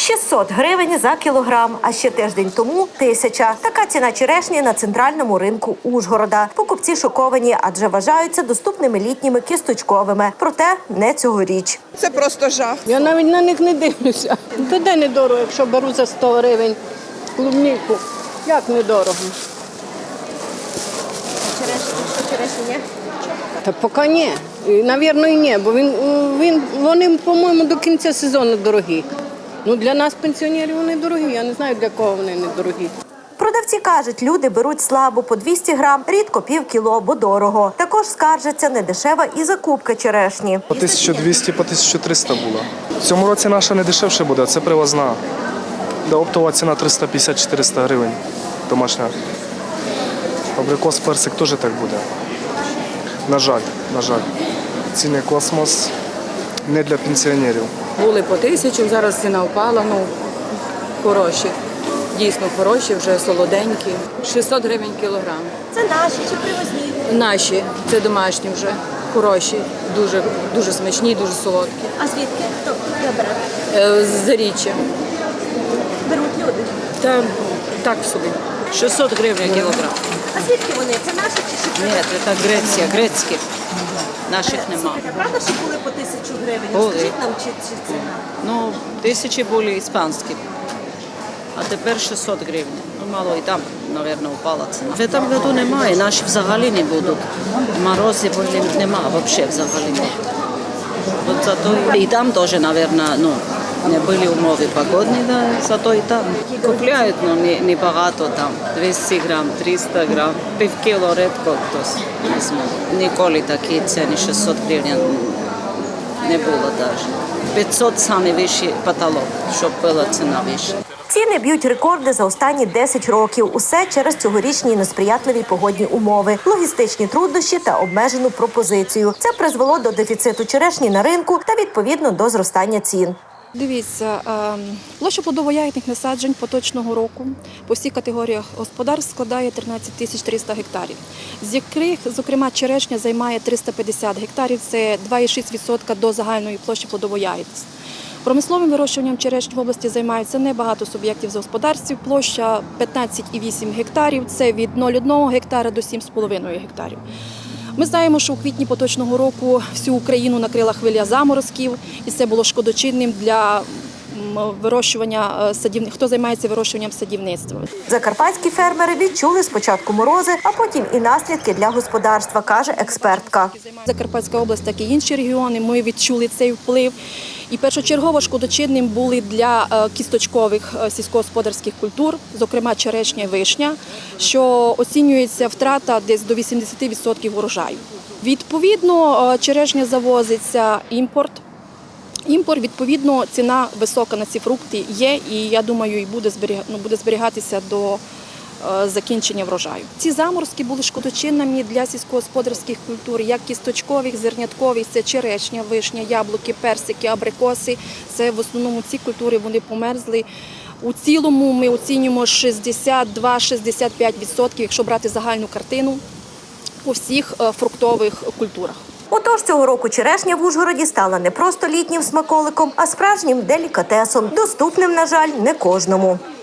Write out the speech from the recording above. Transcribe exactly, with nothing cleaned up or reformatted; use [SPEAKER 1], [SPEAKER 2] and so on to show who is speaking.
[SPEAKER 1] шістсот гривень за кілограм, а ще тиждень тому – тисяча. Така ціна черешні на центральному ринку Ужгорода. Покупці шоковані, адже вважаються доступними літніми кісточковими. Проте не цьогоріч.
[SPEAKER 2] Це просто жах.
[SPEAKER 3] Я навіть на них не дивлюся. То де недорого, якщо беру за сто гривень клубніку. Як недорого?
[SPEAKER 1] Черешні, що черешні є?
[SPEAKER 3] Та поки ні. І, навірно, і ні, бо він, він, вони, по-моєму, до кінця сезону дорогі. Ну, для нас, пенсіонерів, вони дорогі. Я не знаю, для кого вони не дорогі.
[SPEAKER 1] Продавці кажуть, люди беруть слабо по двісті грам, рідко пів кіло, бо дорого. Також скаржаться недешева і закупка черешні.
[SPEAKER 4] По тисяча двісті, по тисяча триста було. В цьому році наша не дешевше буде, це привозна. Де оптова ціна триста п'ятдесят - чотириста гривень домашня. Абрикос, персик теж так буде. На жаль, на жаль. Ціни космос не для пенсіонерів.
[SPEAKER 5] Були по тисячу, зараз ціна впала, ну, хороші. Дійсно хороші, вже солоденькі. шістсот гривень кілограм.
[SPEAKER 1] Це наші чи привозні?
[SPEAKER 5] Наші, це домашні вже, хороші, дуже, дуже смачні, дуже солодкі.
[SPEAKER 1] А звідки? Хто бере?
[SPEAKER 5] Е, З Заріччя.
[SPEAKER 1] Беруть люди.
[SPEAKER 5] Та так собі. шістсот гривень кілограм.
[SPEAKER 1] А звідки вони? Це наші чи ще?
[SPEAKER 6] Ні, це Греція, грецькі. Наших нема.
[SPEAKER 1] Правда, що були по тисячу гривень?
[SPEAKER 6] Були.
[SPEAKER 1] Скажіть нам, чи, чи це?
[SPEAKER 6] Ну, тисячі були іспанські. А тепер шістсот гривень. Ну, мало і там, мабуть, впала ціна. В цьому году немає, наші взагалі не будуть. Морози немає, взагалі взагалі не. От зато і там теж, мабуть, ну, не були умови погодні, да, зато і там. Купляють, але не, не багато там, двісті грам, триста грам, пів кіло рідко хтось візьме. Ніколи такі ціни шістсот гривень не було навіть. п'ятсот – самий вищий потолок, щоб була ціна вища.
[SPEAKER 1] Ціни б'ють рекорди за останні десять років. Усе через цьогорічні несприятливі погодні умови, логістичні труднощі та обмежену пропозицію. Це призвело до дефіциту черешні на ринку та, відповідно, до зростання цін.
[SPEAKER 7] Дивіться, площа плодово-ягідних насаджень поточного року по всіх категоріях господарств складає тринадцять тисяч триста гектарів, з яких, зокрема, черешня займає триста п'ятдесят гектарів, це два цілих шість десятих відсотка до загальної площі плодово-ягідних. Промисловим вирощуванням черешні в області займаються небагато суб'єктів з господарств, площа п'ятнадцять цілих вісім гектарів, це від нуля цілих одного гектара до сім цілих п'ять десятих гектарів. Ми знаємо, що у квітні поточного року всю Україну накрила хвиля заморозків, і це було шкодочинним для вирощування садівництва, хто займається вирощуванням садівництва.
[SPEAKER 1] Закарпатські фермери відчули спочатку морози, а потім і наслідки для господарства, каже експертка.
[SPEAKER 7] Закарпатська область, так і інші регіони, ми відчули цей вплив. І першочергово шкодочинним були для кісточкових сільськогосподарських культур, зокрема черешня і вишня, що оцінюється втрата десь до вісімдесят відсотків урожаю. Відповідно, черешня завозиться імпорт. Імпорт, відповідно, ціна висока на ці фрукти є, і, я думаю, і буде, зберіг... ну, буде зберігатися до е, закінчення врожаю. Ці заморозки були шкодочинними для сільськогосподарських культур, як кісточкових, зерняткових, це черешня, вишня, яблуки, персики, абрикоси. Це в основному ці культури, вони померзли. У цілому ми оцінюємо шістдесят два - шістдесят п'ять відсотків, якщо брати загальну картину, по всіх е, фруктових культурах.
[SPEAKER 1] Отож, цього року черешня в Ужгороді стала не просто літнім смаколиком, а справжнім делікатесом, доступним, на жаль, не кожному.